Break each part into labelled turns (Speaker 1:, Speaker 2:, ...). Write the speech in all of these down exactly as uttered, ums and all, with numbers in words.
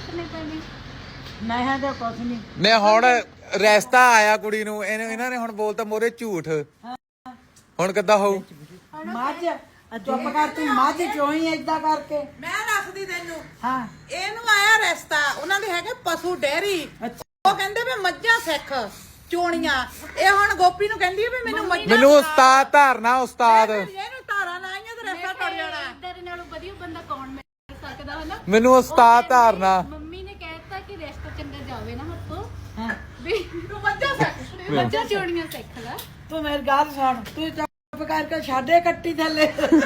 Speaker 1: ਸਿੱਖਣੇ ਪੈਣੇ
Speaker 2: ਮੈਂ ਤਾਂ ਕੁਛ ਨਹੀਂ
Speaker 3: ਨੇ ਹੁਣ ਰਿਸ਼ਤਾ ਆਇਆ ਕੁੜੀ ਨੂੰ ਇਹਨੇ ਇਹਨਾਂ ਨੇ ਹੁਣ ਬੋਲਤਾ ਮੋਰੇ ਝੂਠ ਹੁਣ ਕਿੱਦਾਂ ਹੋਊ
Speaker 2: ਮੱਝ ਚੁੱਪ ਕਰ ਤੂੰ ਮੱਝ ਚੋਈ ਏਦਾਂ ਕਰਕੇ
Speaker 4: ਮੈਂ ਦੱਸਦੀ ਤੈਨੂੰ
Speaker 2: ਹਾਂ
Speaker 4: ਇਹਨੂੰ ਆਇਆ ਰਿਸ਼ਤਾ ਉਹਨਾਂ ਦੇ ਹੈਗੇ ਪਸ਼ੂ ਡੈਰੀ ਉਹ ਕਹਿੰਦੇ ਵੀ ਮੱਝਾਂ ਸਿੱਖ ਚੋਣੀਆਂ ਇਹ ਹੁਣ ਗੋਪੀ ਨੂੰ ਕਹਿੰਦੀ ਵੀ ਮੈਨੂੰ ਮੱਝਾਂ
Speaker 3: ਮੈਨੂੰ ਉਸਤਾਦ ਧਾਰਨਾ ਉਸਤਾਦ
Speaker 4: ਇਹਨੂੰ ਧਾਰਾਂ ਲਾਈਆਂ ਤੇ ਰਿਸ਼ਤਾ ਟੁੱਟ ਜਾਣਾ
Speaker 1: ਤੇਰੇ ਨਾਲੋਂ ਵਧੀਆ ਬੰਦਾ ਕੌਣ ਮਿਲ ਸਕਦਾ ਹੈ ਨਾ
Speaker 3: ਮੈਨੂੰ ਉਸਤਾਦ ਧਾਰਨਾ
Speaker 1: ਮੰਮੀ ਨੇ ਕਹਿਤਾ ਕਿ ਰਿਸ਼ਤਾ ਚੰਗਾ ਜਾਵੇ ਨਾ ਹੱਥੋਂ
Speaker 2: ਹਾਂ
Speaker 1: ਵੀ
Speaker 4: ਤੂੰ ਮੱਝਾਂ ਸਿੱਖ
Speaker 1: ਬੱਚਾ ਚੋਣੀਆਂ ਸਿੱਖ ਲੈ
Speaker 2: ਤੂੰ ਮੇਰੀ ਗੱਲ ਸੁਣ ਤੂੰ ਚੁੱਪ ਕਰਕੇ ਛੱਡੇ ਕੱਟੀ ਥੱਲੇ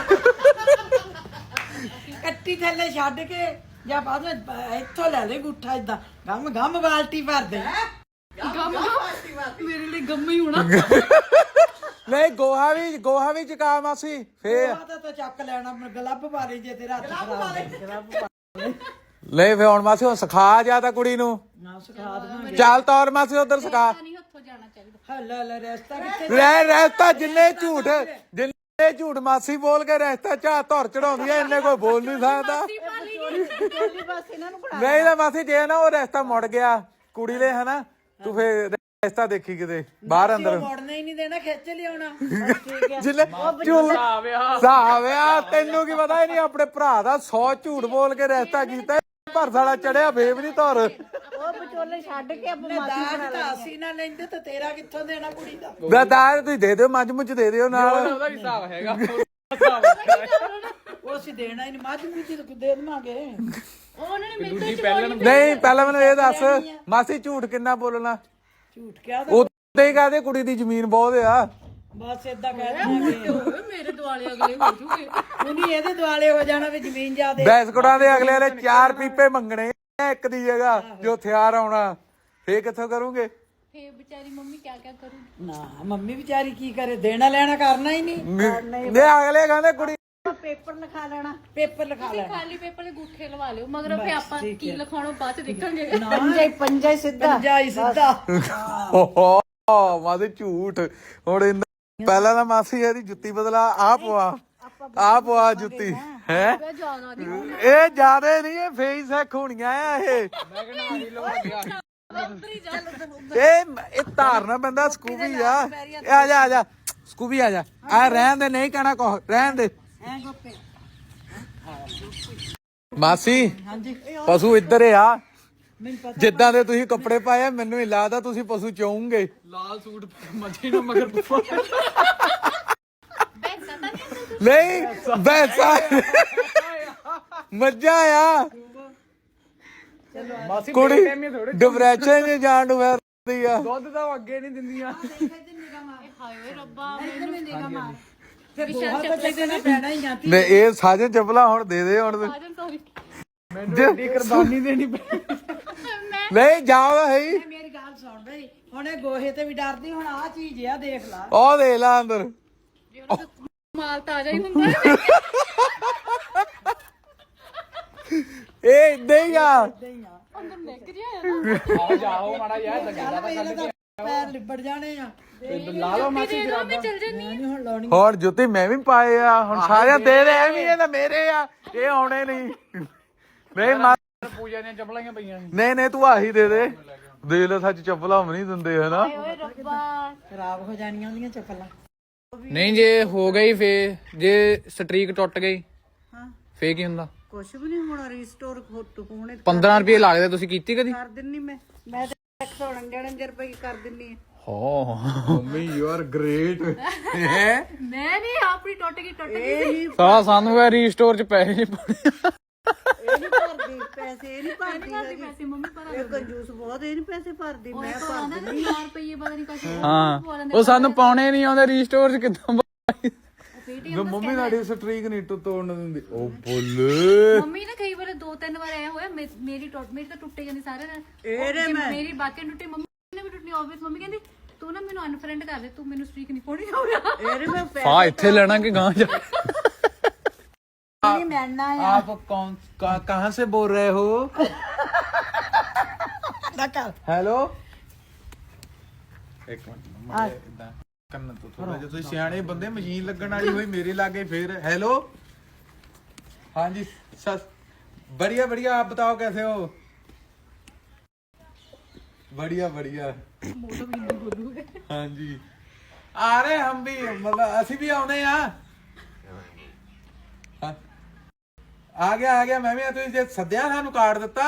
Speaker 2: ਕੱਟੀ ਥੱਲੇ ਛੱਡ ਕੇ ਜਾਂ ਬਾਅਦ ਵਿੱਚ ਇੱਥੋਂ ਲੈ ਲੈ ਗੁੱਠਾ ਇਦਾਂ ਗਮ ਗਮ ਬਾਲਟੀ ਭਰ ਦੇ
Speaker 1: ਗਮ ਮੇਰੇ ਲਈ ਗੰਮ ਹੀ ਹੋਣਾ
Speaker 3: ਨਹੀਂ ਗੋਹਾ ਵੀ ਗੋਹਾ ਵੀ ਚਕਾ ਮਾਸੀ ਫੇਰ
Speaker 2: ਉਹ ਤਾਂ ਤੂੰ ਚੱਕ ਲੈਣਾ ਗਲੱਬ ਪਾਰੀ ਜੇ ਤੇਰਾ ਹੱਥ ਖਰਾਬ ਹੈ ਗਲੱਬ ਪਾ
Speaker 3: ਲੈ ਫੇ ਹੁਣ ਮਾਸੀ ਹੁਣ ਸਿਖਾ ਜਾ ਤਾਂ ਕੁੜੀ ਨੂੰ
Speaker 2: ਨਾ ਸਿਖਾ ਦਵਾਂਗੇ
Speaker 3: ਚੱਲ ਤੌਰ ਮਾਸੀ ਉਧਰ ਸਿਖਾ
Speaker 1: ਨਹੀਂ ਹੱਥੋਂ ਜਾਣਾ ਚਾਹੀਦਾ
Speaker 2: ਹੱਲਾ ਲੈ ਰਸਤਾ ਕਿੱਥੇ
Speaker 3: ਰਹਿ ਰਹਿਤਾ ਜਿੰਨੇ ਝੂਠ ਜਿੰਨੇ ਝੂਠ ਮਾਸੀ ਬੋਲ ਕੇ ਰਹਿਤਾ ਚਾਹ ਧੌਰ ਚੜਾਉਂਦੀ ਐ ਇੰਨੇ ਕੋਈ ਬੋਲ ਨਹੀਂ ਸਕਦਾ
Speaker 2: ਚੋਲੀ ਬਸ ਇਹਨਾਂ ਨੂੰ ਬਣਾ
Speaker 3: ਨਹੀਂ ਤਾਂ ਮਾਸੀ ਜੇ ਨਾ ਉਹ ਰਸਤਾ ਮੁੜ ਗਿਆ ਕੁੜੀ ਲੈ ਹਨਾ ਤੂੰ ਫੇਰ ਰਸਤਾ ਦੇਖੀ ਕਿਤੇ ਬਾਹਰ ਅੰਦਰ
Speaker 2: ਮੋੜਨਾ ਹੀ ਨਹੀਂ ਦੇਣਾ ਖਿੱਚ ਲਿਆਉਣਾ ਠੀਕ ਹੈ
Speaker 3: ਜਿੱਲੇ ਝੂਠ ਸਾਵਿਆ ਤੈਨੂੰ ਕੀ ਪਤਾ ਹੀ ਨਹੀਂ ਆਪਣੇ ਭਰਾ ਦਾ ਸੌ ਝੂਠ ਬੋਲ ਕੇ ਰਸਤਾ ਕੀਤਾ ਭਰ ਸਾਲਾ ਚੜਿਆ ਫੇਰ ਵੀ ਨਹੀਂ ਧੌਰ
Speaker 2: ਉਹ ਵਿਚੋਲੇ ਛੱਡ ਕੇ ਆਪਾਂ ਮਾਸੀ ਬਣਾ ਲੈ ਅਸੀਂ ਨਾ ਲੈਂਦੇ ਤਾਂ ਤੇਰਾ ਕਿੱਥੋਂ ਦੇਣਾ ਕੁੜੀ ਦਾ
Speaker 3: ਗਦਾਰ ਤੁਸੀਂ ਦੇ ਦਿਓ ਮੱਝ ਮੁੱਝ ਦੇ ਦਿਓ ਨਾਲ
Speaker 5: ਉਹਦਾ ਵੀ ਹਿਸਾਬ ਹੈਗਾ
Speaker 2: ਉਹ ਅਸੀਂ ਦੇਣਾ ਹੀ ਨਹੀਂ ਮੱਝ ਮੁੱਝ ਦੇ ਦੇਵਾਂਗੇ
Speaker 1: ਉਹਨਾਂ ਨੇ ਮੇਰੇ
Speaker 5: ਦੂਜੀ ਪਹਿਲਾਂ
Speaker 3: ਨਹੀਂ ਪਹਿਲਾਂ ਮੈਨੂੰ ਇਹ ਦੱਸ ਮਾਸੀ ਝੂਠ ਕਿੰਨਾ ਬੋਲਣਾ
Speaker 2: ਝੂਠ ਕਿਹਾ
Speaker 3: ਉੱਤੇ ਹੀ ਕਹਦੇ ਕੁੜੀ ਦੀ ਜ਼ਮੀਨ ਬਹੁਤ ਆ
Speaker 2: ਬਸ ਏਦਾਂ ਕਹਿ ਦਿੰਦੇ
Speaker 1: ਓਏ ਮੇਰੇ ਦੁਆਲੇ ਅਗਲੇ ਹੋ ਜੂਗੇ
Speaker 2: ਉਹਨੀ ਇਹਦੇ ਦੁਆਲੇ ਹੋ ਜਾਣਾ ਵੀ ਜ਼ਮੀਨ ਜਾਦੇ
Speaker 3: ਬੈਸਕੋਟਾਂ ਦੇ ਅਗਲੇ ਵਾਲੇ ਚਾਰ ਪੀਪੇ ਮੰਗਣੇ ਇੱਕ ਦੀ ਜਗ੍ਹਾ ਜੋ ਹਥਿਆਰ ਆਉਣਾ ਫੇਰ ਕਿੱਥੋਂ ਕਰੂਗੇ
Speaker 1: ਫੇ ਵਿਚਾਰੀ ਮੰਮੀ ਕਿਆ ਕਿਆ ਕਰੂ
Speaker 2: ਨਾ ਮੰਮੀ ਵਿਚਾਰੀ ਕੀ ਕਰੇ ਦੇਣਾ ਲੈਣਾ ਕਰਨਾ ਹੀ ਨਹੀਂ
Speaker 3: ਨੇ ਅਗਲੇ ਕਹਿੰਦੇ ਕੁੜੀ
Speaker 2: ਪੇਪਰ ਲਿਖਾ ਲੈਣਾ ਪੇਪਰ ਲਿਖਾ
Speaker 1: ਤੁਸੀਂ ਖਾਲੀ ਪੇਪਰ ਦੇ ਗੁੱਠੇ ਲਵਾ ਲਿਓ ਮਗਰ ਫੇ ਆਪਾਂ ਕੀ ਲਿਖਾਉਣਾ ਬਾਅਦ ਚ ਦੇਖਾਂਗੇ
Speaker 2: ਪੰਜਾ ਪੰਜਾ ਹੀ ਸਿੱਧਾ ਪੰਜਾ ਹੀ ਸਿੱਧਾ
Speaker 3: ਓਹ ਮਾਦੇ ਝੂਠ ਹੁਣ ਇਹਨਾਂ- ਪਹਿਲਾਂ ਤਾਂ ਮਾਸੀ ਇਹਦੀ ਜੁੱਤੀ ਬਦਲਾ ਆ ਪਵਾ ਆ ਪਵਾ ਜੁੱਤੀ ਹੈ
Speaker 1: ਜਿਆਦਾ ਦੀ
Speaker 3: ਇਹ ਜਿਆਦੇ ਨਹੀਂ ਇਹ ਫੇਸ ਸਿੱਖ ਹੋਣੀਆਂ ਆ ਇਹ ਇਹ ਇਹ ਧਾਰਨਾ ਬੰਦਾ ਸਕੂਬੀ ਆ ਇਹ ਆ ਜਾ ਆ ਜਾ ਸਕੂਬੀ ਆ ਜਾ ਆ ਰਹਿਣ ਦੇ ਨਹੀਂ ਕਹਿਣਾ ਕੋ ਰਹਿਣ ਦੇ
Speaker 2: ਐ ਗੋਪੇ
Speaker 3: ਮਾਸੀ
Speaker 2: ਹਾਂਜੀ
Speaker 3: ਪਸ਼ੂ ਇੱਧਰ ਆ
Speaker 2: ਮੈਨੂੰ ਪਤਾ
Speaker 3: ਜਿੱਦਾਂ ਦੇ ਤੁਸੀਂ ਕੱਪੜੇ ਪਾਏ ਆ ਮੈਨੂੰ ਹੀ ਲੱਗਦਾ ਤੁਸੀਂ ਪਸ਼ੂ ਚਾਹੋਗੇ
Speaker 5: ਲਾਲ ਸੂਟ ਮੱਝੀ ਨੂੰ ਮਗਰ
Speaker 3: ਨਹੀਂ ਬੈਸਾ ਮੱਝਾਂ ਆ
Speaker 5: ਮਾਸੀ
Speaker 3: ਕੁੜੀ
Speaker 5: ਥੋੜੇ
Speaker 3: ਡਿਪਰੈਸ਼ਨ ਚ ਜਾਣ ਨੂੰ ਫਿਰਦੀ ਆ
Speaker 5: ਦੁੱਧ ਤਾਂ ਉਹ ਅੱਗੇ ਨਹੀਂ ਦਿੰਦੀਆਂ
Speaker 1: ਹਾਏ ਓਏ ਰੱਬਾ ਮੈਨੂੰ ਨਿਗਾ ਮਾਰ
Speaker 2: ਫਿਰ ਬਹੁਤ ਤਾਂ ਚੱਕਣਾ ਪੈਣਾ ਹੀ ਜਾਂਦੀ
Speaker 3: ਨੇ ਇਹ ਸਾਜਨ ਚੱਪਲਾਂ ਹੁਣ ਦੇ ਦੇ ਹੁਣ
Speaker 1: ਆਜਨ ਸੌਰੀ
Speaker 5: ਮੈਨੂੰ ਐਡੀ ਕੁਰਬਾਨੀ ਦੇਣੀ ਪਈ
Speaker 1: ਮੈਂ
Speaker 3: ਨਹੀਂ ਜਾਓ ਹੈ ਹੀ
Speaker 2: ਮੇਰੀ ਗੱਲ ਸੁਣ ਬਈ ਹੁਣ ਇਹ ਗੋਹੇ ਤੇ ਵੀ ਡਰਦੀ ਹੁਣ ਆ ਚੀਜ਼ ਆ ਦੇਖ ਲਾ
Speaker 3: ਉਹ ਦੇ ਲਾ ਅੰਦਰ
Speaker 1: ਮਾਲ ਤਾਜ਼ਾ ਹੀ ਹੁੰਦਾ ਹੈ
Speaker 3: ਇਹ ਇਦਾਂ ਹੀ ਆ
Speaker 1: ਅੰਦਰ ਨਿਕ ਜਿਆ
Speaker 5: ਆਓ ਜਾਓ ਮਾੜਾ ਯਾਰ ਲੱਗਦਾ ਤਾਂ
Speaker 2: ਇਹਦੇ ਤਾਂ ਪੈਰ ਲਿਬੜ ਜਾਣੇ ਆ
Speaker 5: ਲਾ ਲਓ ਮਾਸੀ
Speaker 1: ਦੇ ਦੋ ਮੈਂ ਚਲ ਜੰਨੀ
Speaker 2: ਨਹੀਂ ਹੁਣ ਲਾਉਣੀ
Speaker 3: ਹੁਣ ਜੁੱਤੀ ਮੈਂ ਵੀ ਪਾਏ ਆ ਹੁਣ ਸਾਰਿਆਂ ਦੇ ਦੇ ਐਵੇਂ ਇਹ ਤਾਂ ਮੇਰੇ ਆ ਇਹ ਆਉਣੇ ਨਹੀਂ ਨਹੀਂ ਮਾ-
Speaker 5: ਪੂਜਾ ਦੀਆਂ ਚੱਪਲਾਂ ਹੀ ਪਈਆਂ ਸੀ
Speaker 3: ਨਹੀਂ ਨਹੀਂ ਤੂੰ ਆਹੀ ਦੇ ਦੇ ਦੇ ਲੈ ਸੱਚ ਚੱਪਲਾਂ ਵੀ ਨਹੀਂ ਦਿੰਦੇ ਹਨਾ
Speaker 1: ਓਏ ਰੱਬਾ
Speaker 2: ਖਰਾਬ ਹੋ ਜਾਣੀਆਂ ਉਹਦੀਆਂ ਚੱਪਲਾਂ
Speaker 5: ਨਹੀਂ ਜੇ ਹੋ ਗਈ ਫੇ ਜੇ ਸਟ੍ਰੀਕ ਟੁੱਟ ਗਈ
Speaker 2: ਹਾਂ
Speaker 5: ਫੇ ਕੀ ਹੁੰਦਾ
Speaker 2: ਕੁਛ ਵੀ ਨਹੀਂ ਹੋਣਾ ਰੀਸਟੋਰ ਹੋਣੇ
Speaker 5: ਪੰਦਰਾਂ ਰੁਪਏ ਲੱਗਦੇ ਤੁਸੀਂ ਕੀਤੀ ਕਦੀ
Speaker 2: ਕਰ ਦਿੰਨੀ ਮੈਂ ਮੈਂ ਤਾਂ ਇੱਕ ਸੌ ਉਣੰਜਾ ਰੁਪਏ ਕਰ ਦਿੰਨੀ ਆ
Speaker 5: ਹੋ
Speaker 3: ਮੰਮੀ ਯੂ ਆਰ ਗ੍ਰੇਟ ਹੈ
Speaker 1: ਮੈਂ ਨਹੀਂ ਆਪਣੀ ਟੁੱਟ ਗਈ ਟੁੱਟ ਗਈ ਸੀ
Speaker 5: ਸਾਲਾ ਸਾਨੂੰ ਇਹ ਰੀਸਟੋਰ ਚ ਪੈਸੇ ਨਹੀਂ ਪਾਉਣੇ
Speaker 2: ਇਹ ਨਹੀਂ ਭਰਦੀ ਪੈਸੇ ਇਹ ਨਹੀਂ ਭਰਦੀ
Speaker 1: ਭਰਦੀ ਪੈਸੇ ਮੰਮੀ ਭਰਾ
Speaker 2: ਇਹ ਕੰਜੂਸ ਬਹੁਤ ਇਹ ਨਹੀਂ ਪੈਸੇ ਭਰਦੀ ਮੈਂ
Speaker 1: ਉਹ ਆਂਦਾ ਨਾ ਚਾਰ ਰੁਪਏ ਪਤਾ ਨਹੀਂ ਕਾਹਦੇ
Speaker 5: ਹਾਂ ਉਹ ਸਾਨੂੰ ਪਾਉਣੇ ਨਹੀਂ ਆਉਂਦੇ ਰੀਸਟੋਰ ਚ ਕਿੱਦਾਂ
Speaker 3: ਜੋ ਮੰਮੀ ਸਾਡੀ ਸਟ੍ਰੀਕ ਨਹੀਂ ਟੁੱਟ ਤੋੜਨ ਦਿੰਦੀ ਉਹ ਬੋਲੇ
Speaker 1: ਮੰਮੀ ਨੇ ਕਈ ਵਾਰ ਦੋ ਤਿੰਨ ਵਾਰ ਆਇਆ ਹੋਇਆ ਮੇ- ਮੇਰੀ ਟੁੱਟ ਮੇਰੀ ਤਾਂ ਟੁੱਟੇ ਜਾਂਦੀ ਸਾਰੇ ਨਾਲ
Speaker 2: ਇਹਦੇ
Speaker 1: ਜੇ
Speaker 2: ਮੈਂ
Speaker 1: ਮੇਰੀ ਬਾਕੀ ਟੁੱਟੀ ਮੰਮੀ ਨੇ ਵੀ ਟੁੱਟਣੀ ਆਬਵੀਅਸ ਮੰਮੀ ਕਹਿੰਦੀ ਤੂੰ ਨਾ ਮੈਨੂੰ ਅਨਫਰੈਂਡ ਕਰ ਦੇ ਤੂੰ ਮੈਨੂੰ ਸਟ੍ਰੀਕ ਨਹੀਂ ਪਾਉਣੀ ਹੋ ਰਿਹਾ
Speaker 2: ਇਹਦੇ ਮੈਂ ਪੈਸੇ
Speaker 5: ਫਾ ਇੱਥੇ ਲੈਣਾ ਕਿ ਗਾਂ ਜਾ
Speaker 2: ਨਹੀਂ ਮਿਲਣਾ ਆ
Speaker 3: आप कौन कहाँ कहाँ से बोल रहे हो
Speaker 2: ਨਾ ਕਰ
Speaker 3: हेलो एक मिनट मम्मा इधर करना तो थोड़ा जो ਤੁਸੀਂ ਸਿਆਣੇ ਬੰਦੇ ਮਸ਼ੀਨ ਲੱਗਣ ਵਾਲੀ ਹੋਈ ਮੇਰੇ ਲਾਗੇ ਫੇਰ हेलो हाँ जी सस बढ़िया बढ़िया आप बताओ कैसे हो बढ़िया बढ़िया
Speaker 1: वो तो भी हिंदी बोलूंगे।
Speaker 3: हाँ जी आ रहे हम भी मतलब ਅਸੀਂ ਵੀ ਆਉਨੇ ਆ ਹਾਂ। ਆ ਗਿਆ ਆ ਗਿਆ ਮੈਂ ਵੀ ਆ। ਤੁਸੀਂ ਜੇ ਸੱਦਿਆ ਸਾਨੂੰ ਕਾਰਡ ਦਿੱਤਾ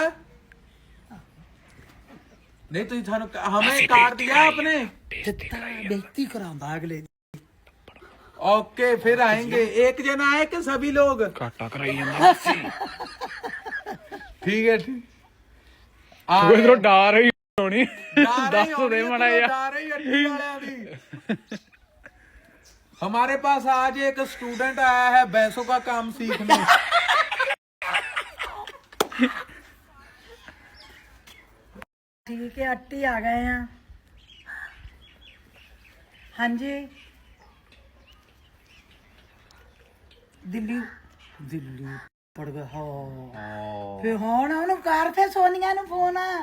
Speaker 3: नहीं तुझे थानू हमें कार्ड दिया आपने
Speaker 2: ਦਿੱਤਾ ਬੇਇੱਜ਼ਤੀ ਕਰਾਉਂਦਾ ਅਗਲੇ ਦੀ।
Speaker 3: ओके फिर आएंगे एक जना आए कि सभी लोग
Speaker 5: ਘਾਟਾ ਕਰਾਈ ਜਾਂਦਾ
Speaker 3: ठीक है ठीक
Speaker 5: ਉਹ ਇਧਰੋਂ ਡਾਰ ਹੋਈ ਹੋਣੀ
Speaker 3: डर
Speaker 5: ਦੱਸ
Speaker 3: ही
Speaker 5: ਦੇ
Speaker 3: होनी है,
Speaker 5: ਮਾੜਾ
Speaker 3: तुम्हें
Speaker 5: ਜਿਹਾ
Speaker 3: डर ही अड्डी वालियां दी। हमारे पास आज एक स्टूडेंट आया है भैंसों का काम सीखने।
Speaker 2: ठीक है अट्टी आ गए हैं। हाँ जी दिल्ली दिल्ली पड़ गया हाँ फिर हुण ਉਹਨੂੰ ਕਰ ਫੇ ਸੋਨੀਆ ਨੂੰ ਫੋਨ ਹਾਏ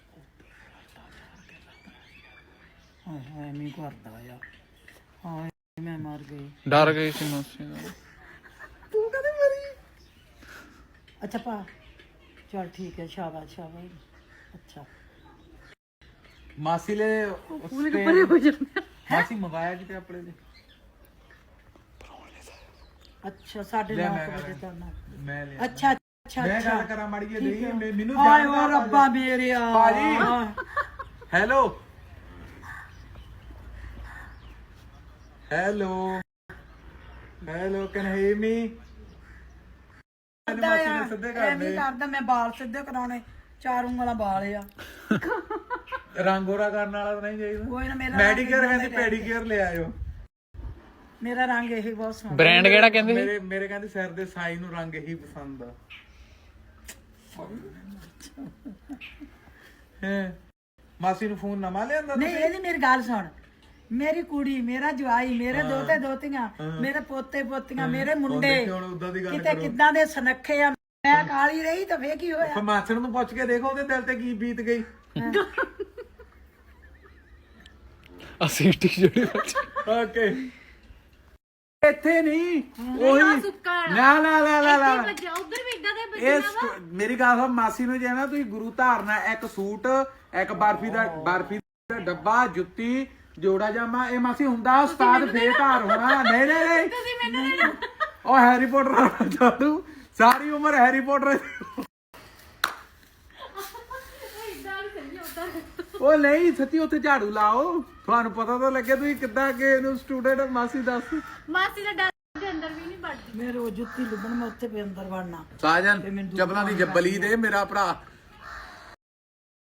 Speaker 2: ਹਾਏ ਮੈਂ ਕਰਦਾ ਆ ਹਾਏ ਮੈਂ ਮਰ ਗਈ।
Speaker 5: ਡਰ ਗਈ ਸੀ ਮਾਸੀ ਦਾ
Speaker 2: ਤੂੰ ਕਦੇ ਮਰੀ? ਅੱਛਾ ਪਾ ਚਲ ਠੀਕ ਹੈ ਸ਼ਾਬਾਸ਼ ਸ਼ਾਬਾਸ਼। ਅੱਛਾ
Speaker 3: मासी ले
Speaker 1: पूरे के परे हो जाते
Speaker 3: मासी मंगाया किते अपने लिए
Speaker 2: ਅੱਛਾ ਸਾਢੇ
Speaker 3: ਲੈ
Speaker 2: ਨੌ
Speaker 3: ਮੈਂ
Speaker 2: ਵਜੇ ਕਰਨਾ।
Speaker 3: मैं ले
Speaker 2: ਅੱਛਾ ਅੱਛਾ
Speaker 3: मैं
Speaker 2: ਅੱਛਾ
Speaker 3: गल करा माड़ी जी नहीं मैं मेनू
Speaker 2: ਹਾਏ
Speaker 3: जानदा
Speaker 2: ਓ ਰੱਬਾ ਮੇਰਿਆ
Speaker 3: ਭਾਜੀ। Hello hello hello can hear me मासी ने सिद्धे कर
Speaker 2: ਐਵੇਂ
Speaker 3: दे
Speaker 2: ਕਰਦਾ ਮੈਂ ਵਾਲ ਸਿੱਧੇ ਕਰਾਉਣੇ ਚਾਰ ਉਂਗਲਾਂ ਵਾਲ ਆ
Speaker 3: रंग गोरा करने वाला तो नहीं चाहिए
Speaker 2: ਕੋਈ ਨਾ ਮੇਰਾ
Speaker 3: ਮੈਡੀਕੇਅਰ
Speaker 2: ਰੰਗ
Speaker 3: ਕਹਿੰਦੀ ਪੈਡੀਕੇਅਰ ਲੈ ਆਇਓ।
Speaker 2: ਮੇਰਾ ਰੰਗ ਇਹੀ ਬਹੁਤ ਸੋਹਣਾ।
Speaker 5: ਬ੍ਰਾਂਡ ਕਿਹੜਾ ਕਹਿੰਦੇ ਸੀ
Speaker 3: ਮੇਰੇ ਮੇਰੇ ਕਹਿੰਦੇ ਸਿਰ ਦੇ ਸਾਈ ਨੂੰ ਰੰਗ ਇਹੀ ਪਸੰਦ ਆ। ਹੈ ਮਾਸੀ ਨੂੰ ਫੋਨ ਨਵਾਂ ਲਿਆਂਦਾ
Speaker 2: ਨਹੀਂ ਇਹਦੀ ਮੇਰੀ ਗੱਲ ਸੁਣ ਮੇਰੀ ਕੁੜੀ ਮੇਰਾ ਜਵਾਈ ਮੇਰੇ ਦੋਤੇ ਦੋਤੀਆਂ ਮੇਰੇ ਪੋਤੇ ਪੋਤੀਆਂ ਮੇਰੇ ਮੁੰਡੇ
Speaker 3: ਹੁਣ ਉਦਾਂ ਦੀ ਗੱਲ
Speaker 2: ਕਿਤੇ ਕਿੱਦਾਂ ਦੇ ਸੁਨੱਖੇ ਆ ਮੈਂ ਕਾਲੀ ਰਹੀ ਤਾਂ ਫੇਰ ਕੀ ਹੋਇਆ?
Speaker 3: ਫਿਰ ਮਾਸੜ ਨੂੰ ਪੁੱਛ ਕੇ ਦੇਖੋ ਉਹਦੇ ਦਿਲ ਤੇ ਕੀ ਬੀਤ ਗਈ।
Speaker 5: ਅਸੀਂ ਜਿਹੜੀ
Speaker 3: ਓਕੇ ਇੱਥੇ ਨਹੀਂ
Speaker 1: ਨਾ
Speaker 3: ਉਹੀ
Speaker 1: ਸੁੱਕਾ
Speaker 3: ਨਾ ਨਾ ਨਾ ਨਾ ਨਾ
Speaker 1: ਬੱਚਾ ਉਧਰ ਵੀ ਇਦਾਂ ਦੇ
Speaker 3: ਇਹ
Speaker 1: ਬੱਚੇ
Speaker 3: ਸਟ- ਮੇਰੀ ਗੱਲ ਸੁਣ ਮਾਸੀ ਨੂੰ ਜੇ ਨਾ ਤੁਸੀਂ ਗੁਰੂ ਧਾਰਨਾ ਇੱਕ ਸੂਟ ਇੱਕ ਬਰਫੀ ਦਾ ਬਰਫੀ ਦਾ ਡੱਬਾ ਜੁੱਤੀ ਜੋੜਾ ਜਾਮਾ ਇਹ ਮਾਸੀ ਹੁੰਦਾ ਉਸਤਾਦ ਬੇਧਾਰ ਹੋਣਾ। ਨਹੀਂ ਨਹੀਂ ਨਹੀਂ
Speaker 1: ਤੁਸੀਂ ਮੈਨੂੰ ਦੇਣਾ
Speaker 3: ਉਹ ਹੈਰੀ ਪੋਟਰ ਜਾਦੂ ਸਾਰੀ ਉਮਰ ਹੈਰੀ ਪੋਟਰ
Speaker 1: ਇਦਾਂ ਨਹੀਂ ਸਹੀ ਉਦਾਂ
Speaker 3: ਉਹ ਨਹੀਂ ਸੱਚੀ ਉੱਥੇ ਝਾੜੂ ਲਾਓ ਤੁਹਾਨੂੰ ਪਤਾ ਤਾਂ ਲੱਗੇ ਤੁਸੀਂ ਕਿੱਦਾਂ ਕਿ ਇਹਨੂੰ ਸਟੂਡੈਂਟ ਮਾਸੀ ਦੱਸ।
Speaker 1: ਮਾਸੀ ਦਾ ਡਰ ਦੇ ਅੰਦਰ ਵੀ ਨਹੀਂ ਵੜਦੀ।
Speaker 2: ਮੇਰੇ ਉਹ ਜੁੱਤੀ ਲੱਭਣ ਮੈਂ ਉੱਥੇ ਵੀ ਅੰਦਰ ਵੜਨਾ।
Speaker 3: ਸਾਜਨ ਚਪਲਾਂ ਦੀ ਜੱਬਲੀ ਦੇ ਮੇਰਾ ਭਰਾ